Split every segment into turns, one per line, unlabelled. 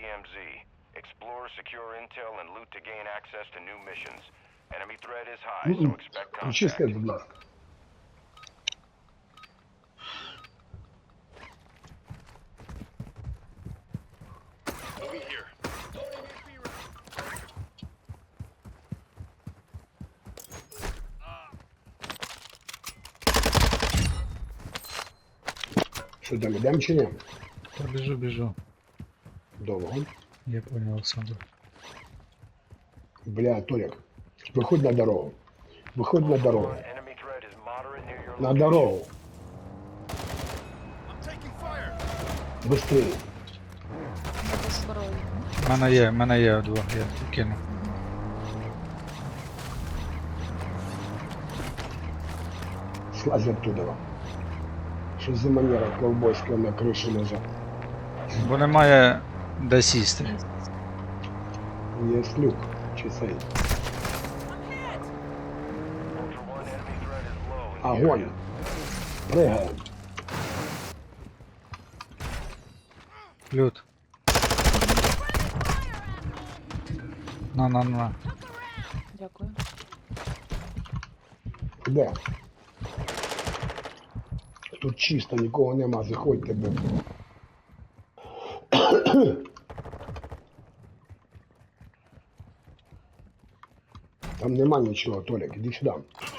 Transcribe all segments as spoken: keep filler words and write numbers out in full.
M Z. Explore, secure intel, and loot to gain access to new missions. Enemy threat is high, so expect
Включи
contact.
свет, будь ласка. Що там, ідемо чи ні?
Та біжу, біжу.
Довго.
Я понял, Олександр.
Бля, Толік, виходь на дорогу. Виходь на дорогу.
Enemy threat is moderate near your
На
location.
дорогу. Быстрее.
Без зброї.
У мене є, в мене є двох, я кину.
Слазь оттуда. Що за манера ковбойська на криші лежать?
Бо немає де сісти.
Є люк, чи цей.
Ultra One, enemy threat is low. in the
Огонь.
area.
Пригаємо.
Люд. На, на, на.
Дякую.
Де? Тут чисто, нікого нема, заходьте, бо. Там нема нічого, Толік, іди сюди.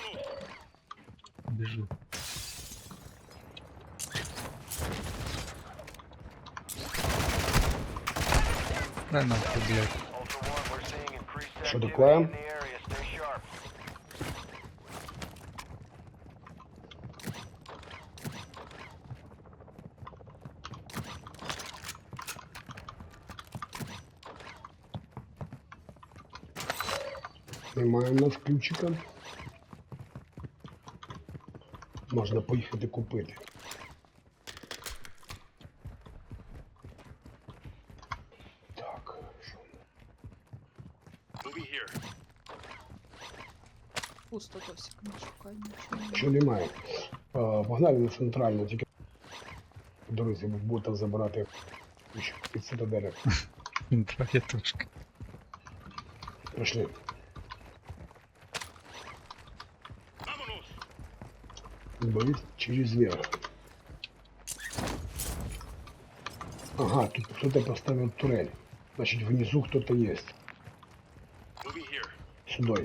Біжу. Дай нахуй, блядь.
Ultra One, we're seeing increased
Що
activity
таке?
in the area. Stay sharp.
Немає в нас ключика. Можна поїхати купити. Так, що?
Пусто досі, не шукай нічого.
Що немає? А, погнали на центральну, тільки по дорозі будете забирати ключ під цитаделю.
Трохи тушки.
Пішли. Болит через верх. Ага, тут кто-то поставил турель. Значит, внизу кто-то есть. Сюда.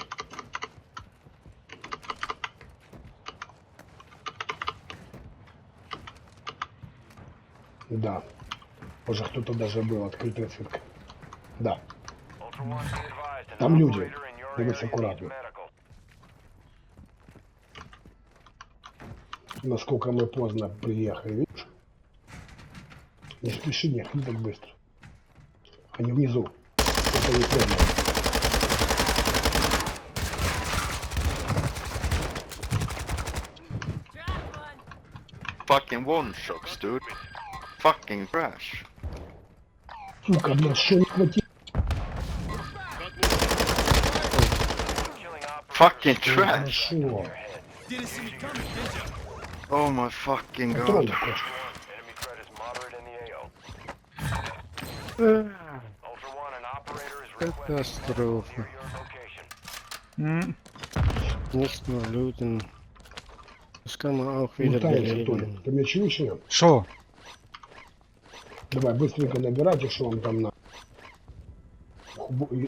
Да. Уже кто-то даже был, открытая цирка. Да.
Ultra One, be advised, an
Там люди.
operator in your
Дивись
area
акуратно.
needs medical.
Насколько мы поздно приехали, видишь? Не спеши, не ходи так быстро. Они внизу. Это не прямо.
Fucking one shots, dude. Fucking trash.
Сука, блядь, что не хватило?
Killing operators.
Fucking trash.
Хорошо.
Oh my fucking
Патрон
god.
такой.
Enemy threat is moderate in the A O. Ultra One, an operator is requesting medical
Катастрофа.
near your location.
М,
Nicht nur looten. Das kann man auch wieder
Лутаемся,
belegen.
Толик. Ты меня чуешь, нет?
Що?
Давай, быстренько набирайте, что вам там на... Хубу- и-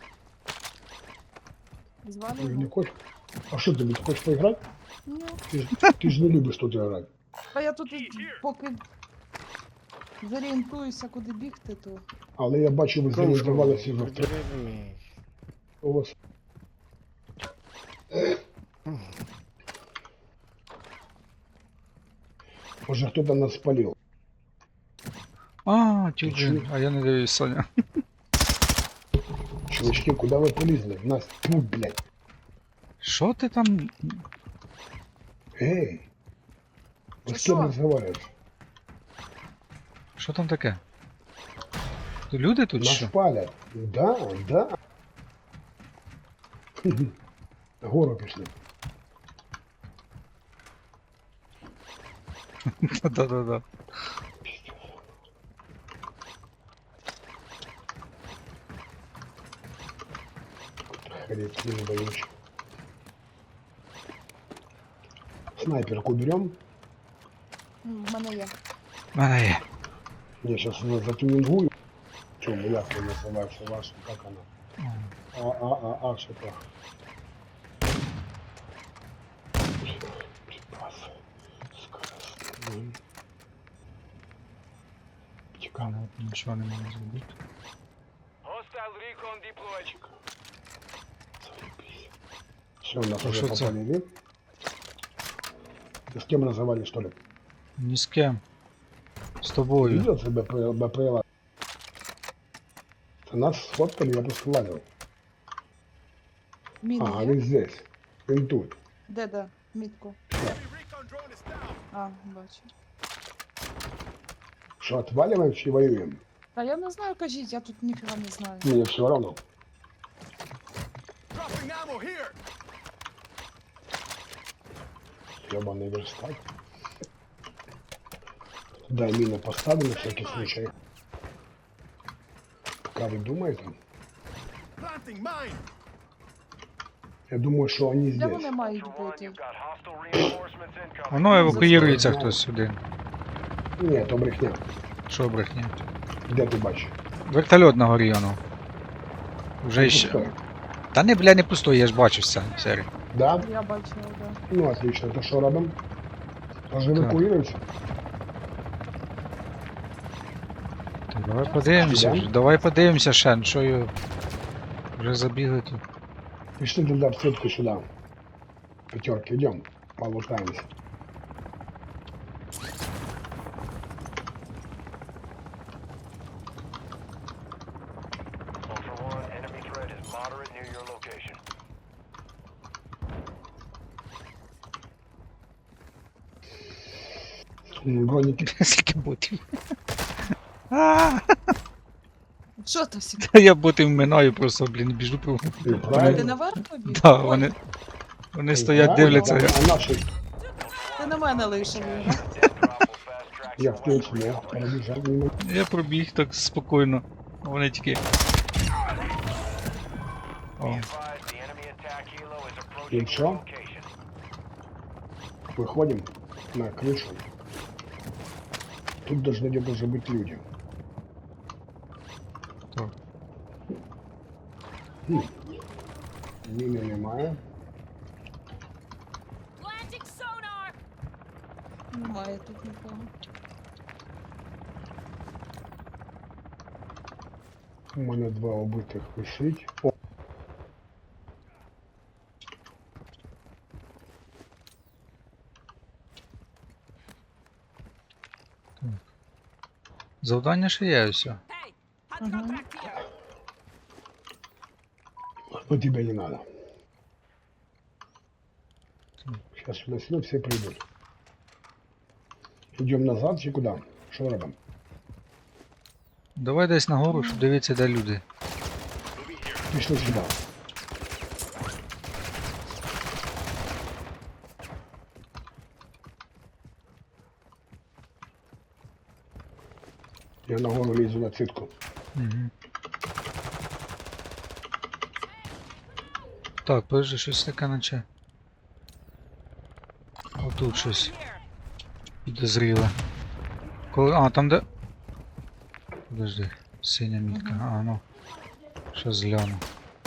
Звали
Ой, не
його?
хочешь? А что ты, блядь, хочешь поиграть?
Ні.
Ты, ж- ты же не любишь тут играть.
А я тут і поки зорієнтуюся, куди бігти, то
Але я бачу, ви зорієнтувалися в авто.
Подеревни.
У вас... Може, хто-то нас спалив.
А,
Ти
тюбін, а я не дивлюсь, Соня.
Чувачки, куда ви полізли? Нас... Фу, блядь.
Що ти там?
Эй! Вы
Ты
с кем
шо?
разговариваете?
Що там таке? Тут люди тут
Нас
що?
палят. Да, да. Гору пішли.
Да-да-да.
охереть, не боюсь. Снайперку берем.
М, В мене є.
В мене є.
Я сейчас затюнингую. Чем як она называется ваша, как она? А, а, а, а, что-то. Припас. Скоростной. Чекай.
Але нічого не можу зробити.
Hostile recon deployed.
Заебись. Все, нас
А
уже
что это?
попалили. Ты с кем разговаривали, что ли?
Ні з ким. З тобою.
Видел ты БПЛ? БПЛ? Это нас сфоткали, я просто лазил.
Міни
Ага,
є?
он здесь. Он тут.
Де, де? Мітку. А, бачу.
Что, отваливаем, чи воюем?
Та я не знаю, кажіть, я тут ніфіга не знаю.
Мне все равно. Ёбаный верстак. Дай мину поставлю на всякий случай. Пока вы думаете. Я думаю, что они
Де
здесь.
вони мають
Ultra One,
бути?
you've got hostile reinforcements incoming.
Воно евакуюється хтось сюди.
Ні, то брехня.
Що брехня?
Де ти бачиш?
Вертольот на горі, воно. Вже
Там
ще.
пустой.
Та не, бля, не пустой, я ж бачив це, сері.
Да?
Я бачила, да.
Ну, отлично. То що робимо? Може евакуюємося?
Так, давай подивимося,
Да?
вже, давай подивимося ще, ну що його. Вже забігли тут.
Пішли тогда в сетку сюди. Пятерки, идем. Полутаемся.
Ultra One, enemy threat is moderate near your location.
М, Броники.
Скільки ботів. А,
Що то всі?
та я ботів минаю просто, блін, біжу по.
Ти
Ти
правильно?
наверх побіг?
Да,
Ой,
вони. Вони
Ти
стоять,
правильно?
дивляться.
А наші,
Ти на мене лишив його.
Death drop will fast track
я
your
в принципі,
weapon
я
recovery.
перебіжав мимо.
Я пробіг так спокійно. А вони тільки. О,
Be advised, the enemy attack helo is approaching
И
your
чё?
location.
Выходим на крышу. Тут должны где-то же быть люди.
так.
Хм. Мины немає.
Planting sonar!
Немає тут нікого.
У мене два убитих висить. О,
Завдання ще є все.
Hey, hot
Mhm.
contact here!
но тебе не надо. Сейчас сюда сюда все придут. Идем назад чи куда? Что робимо?
Давай десь нагору, щоб дивитися, де люди.
Пішли сюди. Я нагору лізу на цитку.
Угу. Так, подожди, щось таке наче. Отут щось
Here!
підозріле. Коли. А, там де. Подожди, синя мітка. А, ну. Що згляну.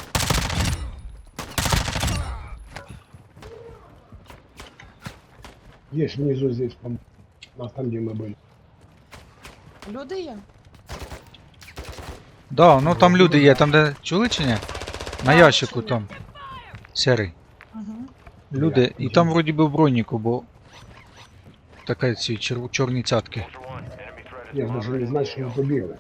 Есть внизу здесь, по у нас там, где мы были.
Люди є?
Да, ну там люди є, там де. Чули чи ні? На
А,
ящику
чули.
там. Серий.
Угу.
Люди.
Я-
І там вроді би в броніку, бо. Таке ці чер... чорні цятки.
Ultra One, enemy threat is
Я даже
moderate
не
in
знаю,
the
что мы
A O.
побегли.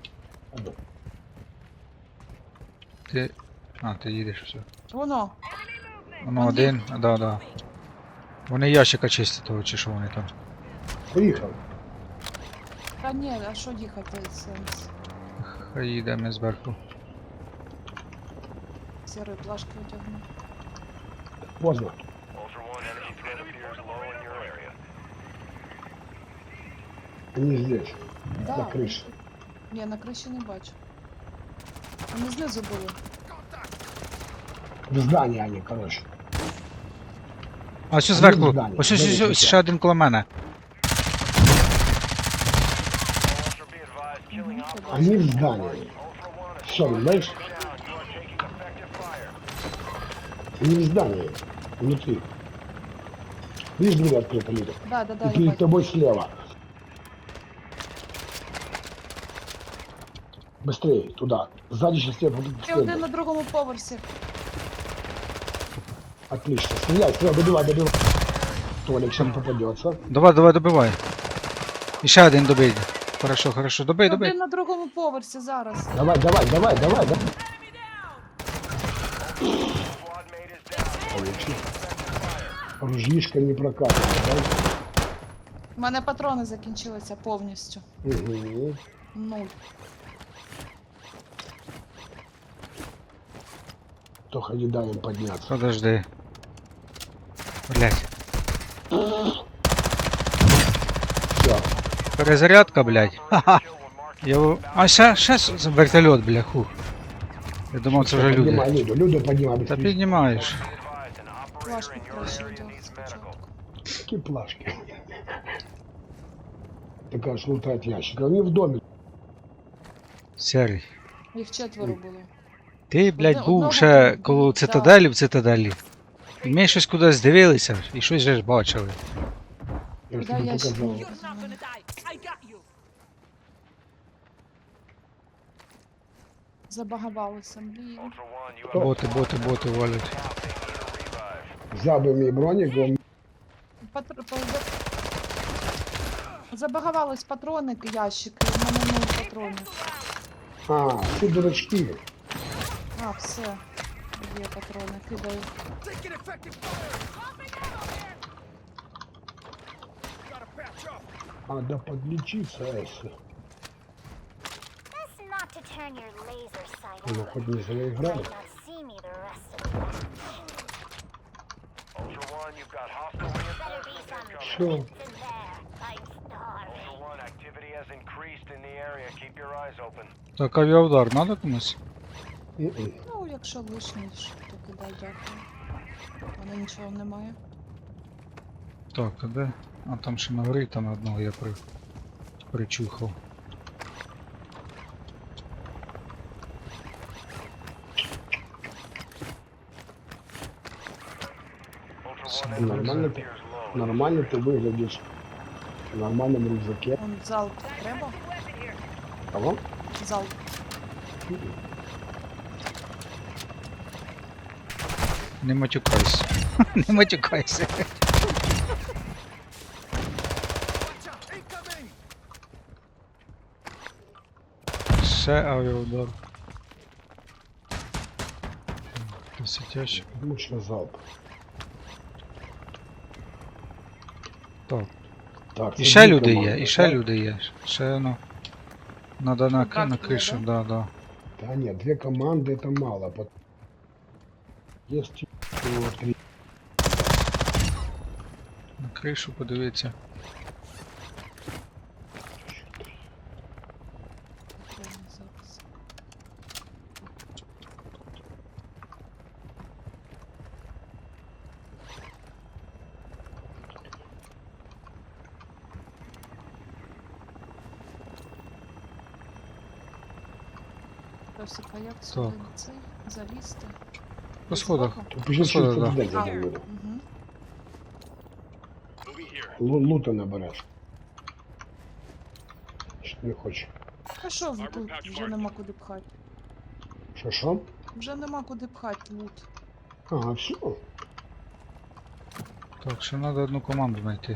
Ти. А, ти їдеш все.
Воно.
Ну один, да, да. Вони ящика чистять того, чи що вони там.
Поехал.
Та ні, а що їхати сенс?
Хай їдемо зверху.
Сірої плашки одягну.
Поздно.
Ultra One, enemy threat appears low in your area.
Они здесь,
Да.
на крыше.
Ні, на криші не бачу. Вони знизу були.
В здании они, короче.
А ось
Один
зверху.
здання,
Ось ось ось
здання
ось ще один коло мене.
Ultra, be advised, killing operators.
Они в здании.
Ultra One,
Все, знаешь,
down. You are taking effective fire.
они в здании. Внутри. Видишь, дверь открыта, Лида?
Да, да, да,
И
я
перед
бачу.
тобой слева. Быстрее, туда. Сзади сейчас тебя будут
Ще один
следовать.
на другому поверсі.
Отлично. Стреляй, стреляй, добивай, добивай. Толик сейчас попадется.
Давай, давай, добивай. І ще один добий. Хорошо, хорошо. Добий,
Ще
добий.
один на другому поверсі зараз.
Давай, давай, давай, давай, давай.
Squad mate is down.
Получи. Ружьишка не прокатывает, да?
У мене патрони закінчилися повністю.
Угу.
Нуль.
Только не дай им подняться.
Подожди. Блять.
Все.
Перезарядка, блять. Ха-ха.
Kill when marked.
Я... в- А ще, ще с- вертольот, бля, хух. Я думав, це вже
Поднимай
люди.
Люду, Люду поднимай
Та
быстрее.
піднімаєш.
Be advised, an operator
Плашку
in your
краще
area
одягти
needs medical.
спочатку.
Какие плашки? Ты, конечно, лутать ящик. Они в доме.
Серий.
Їх четверо було.
Ти, блядь,
Одне-
був
одного
ще
там,
коло
да.
цитаделі в цитаделі. І ми щось кудись дивилися, і щось же ж бачили.
Я ж
Да,
тебе
ящик.
показал.
You're not gonna die. I got you.
Забагавалися, блін.
Ultra One, you
Кто?
have
Боти, боти, боти валять.
now they need a revive.
Забыл мне броник, он...
Патр... по- за- Забагавались патрони, ящики, в мене нуль патронів.
А, ты дурачки.
А, все. Є патрони, кидаю.
Надо подлечиться, Эсси.
Best not to turn your laser sight
Ну,
on.
хоть не зря
You
играли.
might not see me the rest of the night.
Ultra One, you've got hostile
Better be
reinforcements
some
incoming.
Sure.
in there. I'm starving.
Ultra One, activity has increased in the area. Keep your eyes open.
Так, авіаудар надо комусь?
М-м.
Ну, якщо лишній, то кидай, дякую. У мене нічого немає.
Так, то де? А там ще на горі, там одного я при... причухав.
Ultra
Some
One, enemy
Нормально
threat
ты,
appears low.
нормально ты выглядишь. В нормальном рюкзаке.
Вон залп треба?
Кого?
Залп.
М-м.
Не матюкайся. Не матюкайся. Ще авіаудар. Десятящик.
Мощный залп.
Так.
Так,
І
це
ще
дві
люди
команди,
є, і ще
так?
люди є. Ще ну. Надо на,
Так
на
є,
кришу,
да?
да, да.
Да нет, две команды это мало. пот- Есть всего три.
На кришу подивіться.
Патрони зараз. Просика, як сюди
Так.
на цей залізти?
По
З
сходах.
боку?
Тут еще
Посмотри,
через
да.
цитадель
А,
зайдем, Люда.
угу.
Лу- Лута наберешь. Что не хочешь?
А що ви тут? Вже нема куди пхати.
Шо, шо?
Вже нема куди пхати лут.
А, все.
Так, ще треба одну команду знайти.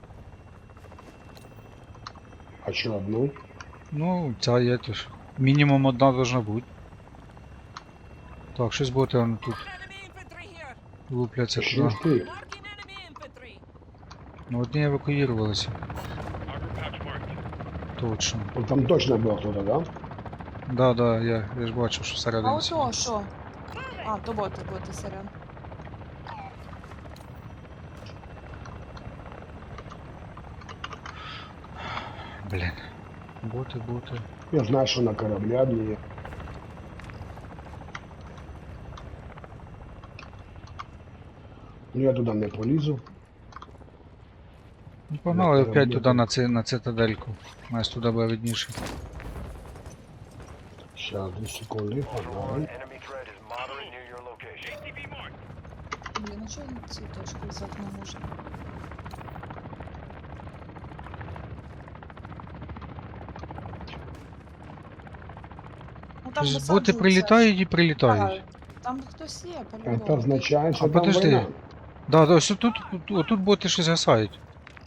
А что, одну?
Ну, ця є теж. Мінімум одна должна бути. Так, щось боти воно тут
Enemy infantry here.
лупляться
Еще
туди.
есть три.
Marking enemy infantry.
Ну, одні евакуювалися. Точно.
Вот там точно был кто-то, да?
Да, да, я, я ж бачив, що
А
всередині.
ото що? А, то боти, боти, сорян.
Блін. Боти, боти.
Я знаю, что на корабле одни. Ну я туди не полізу.
Ну, погнали
Ну,
опять
ну,
туди
ну.
на, ци, на цитадельку. У нас туди буде видніше.
Сейчас, дві секунди,
Ultra One,
погнали.
enemy threat is moderate near your location.
Блін, а чого ці точки взяти не можна? Ну, там
Боти
висаджуються
прилітають і
ж.
прилітають.
Так, там хтось є,
Це
по-любому.
означає, що
А
там
подожди.
війна.
Да, да, ось тут, тут, отут боти щось гасають.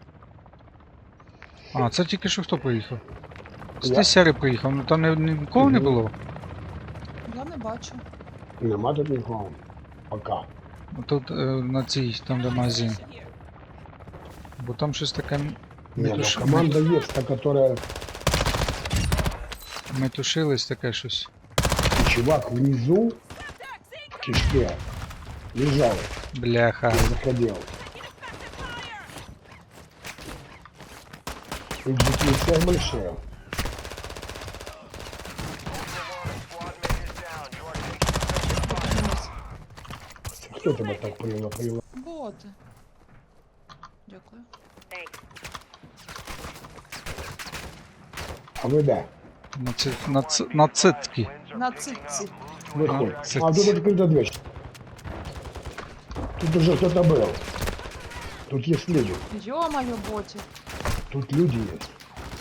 А, це тільки що хто приїхав?
Я.
Ти сяри приїхав, ну там не, ні- нікого не
Мгм.
було.
Я не бачу.
Нема тут нікого. Пока.
Тут е, на цій, там де магазин.
Here.
Бо там щось таке м-
Не, ну
метуш...
команда есть, та, которая...
метушилось таке щось.
Чувак внизу в кишке лежал,
Бляха.
я заходил. И джеки всех большие.
Ultra One, a squad mate is down. You are taking
Подивимось.
Кто тебя так привел? привел?
Боти. Дякую.
А вы да?
На, ци... на, ц... на цитки.
wins are
На
picking
цитці.
up.
Выходит.
А,
А,
ц-
тут открыта дверь. Тут уже кто-то был. Тут есть люди.
Йо-моє, боті.
Тут люди есть.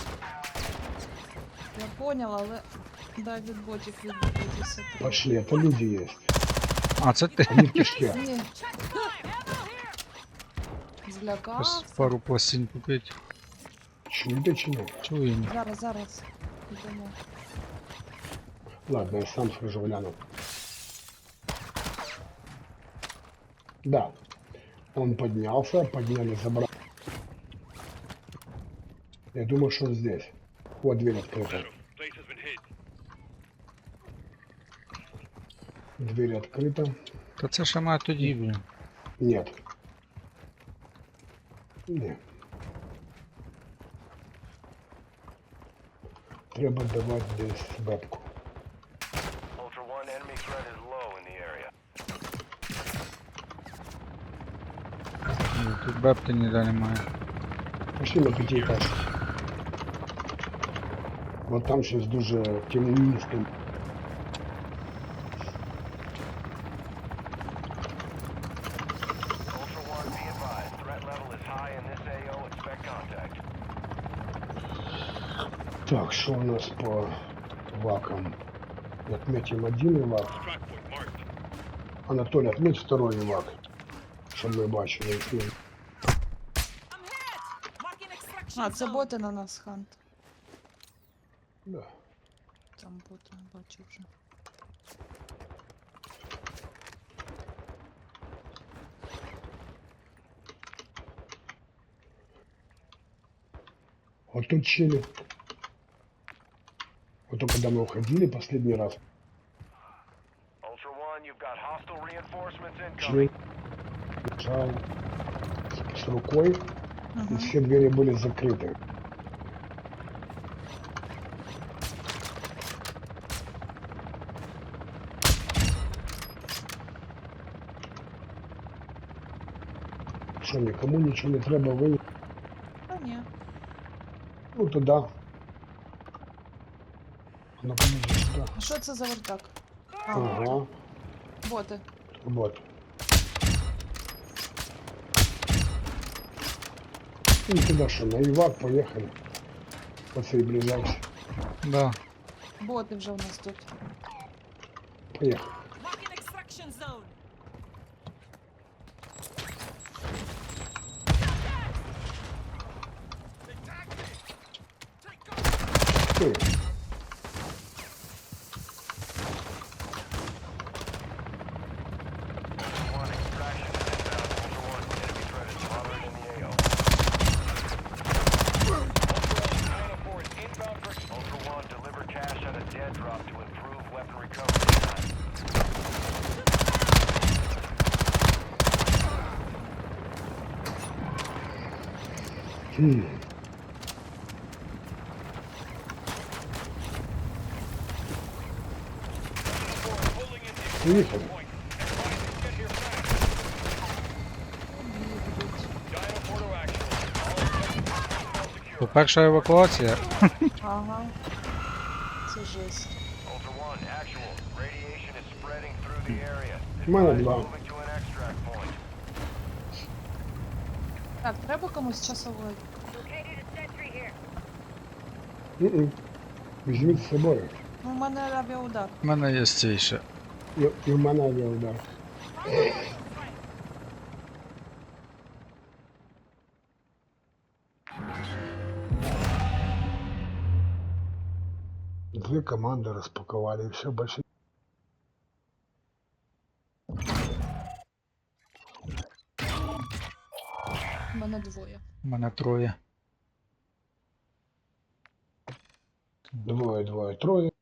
Я поняла, але дай від ботів відбутися.
Пошли, это люди есть.
А, це ти.
Они в кишке.
Ні,
Ось
злякався.
пару пластин купить.
Чудо чему?
Чуємо.
Зараз, зараз. Йдемо.
Ладно, я сам схожу гляну. Да. Он поднялся, подняли, забрал. Я думаю, что он здесь. Вот дверь открыта. Дверь открыта.
Та це ще має тоді, блін.
Нет. Нет. Треба давати десь бабку.
Ultra One, enemy threat is low in the area.
Ні, тут бепти ніде немає.
Пішли на п'ятиэтажку. Вот там щось дуже темністо.
Ultra One, be advised. Threat level is high in this A O. Expect contact.
Так, що у нас по вакам? Отметим один вак. Анатолий, отметь второй вак. Щоб ми бачили. який.
I'm hit! Marking extraction
А, це
zone.
боти на нас, Хант.
Да.
Там боти, бачу вже.
Вот тут чили. Вот то, когда мы уходили последний раз,
Ultra One, you've got hostile reinforcements
чили
incoming.
лежал с, с рукой, и
Ага.
все двери были закрыты. Что, никому ничего не треба вынести?
Та ні.
Ну, туда. Ну, подожди, сюда.
А що це за вертак? А,
Ага,
боти.
вот. Ну, туда что, на Ивак поехали. Оцей ближайший.
Да.
Боти вже у нас тут.
Поехали.
Marking extraction zone.
Ты.
Ultra One, extraction is inbound. Ultra One, enemy threat is moderate in the A O. Ultra One, is inbound for Ultra One, deliver cash at a dead drop to improve weapon recovery time.
Хм. Поехали.
По-перша евакуація.
Ага. Це жесть.
Ultra One, actual. Radiation is spreading through the area.
Мене
Advise
два.
moving to an extract point.
Так, треба комусь часовий.
М-м. Візьміть з собою.
Ну, у мене авіаудар.
У мене є цей ще.
І, і в мене авіаудар. Две команды распаковали, и все, больше.
У мене двоє.
У мене троє.
Двое, двое, трое.